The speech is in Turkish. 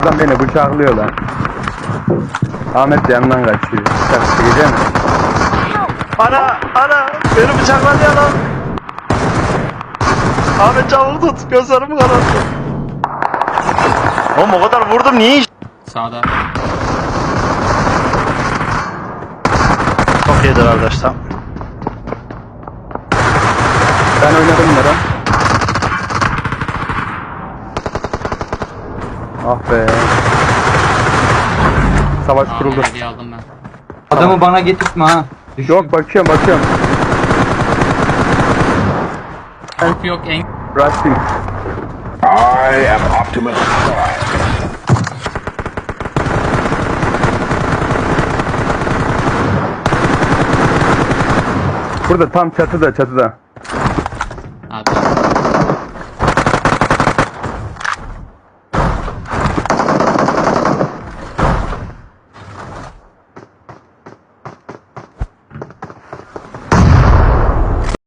Adam beni bıçaklıyor lan. Ahmet de yanından kaçıyor. Bıçak çekecek mi? Ana beni bıçakladı ya lan. Ahmet çabuk tut, gözlerimi kararttı. Oğlum o kadar vurdum, niye iş? Sağda. Çok iyidir arkadaşlar. Ben oynadım bunlara. Ah be. Savaş kuruldu. Hediye aldım ben. Adamı bana getirtme ha. Düştüm. Yok bakıyorum. Yok en... Rushing. I am Optimus Prime. Burada tam çatıda.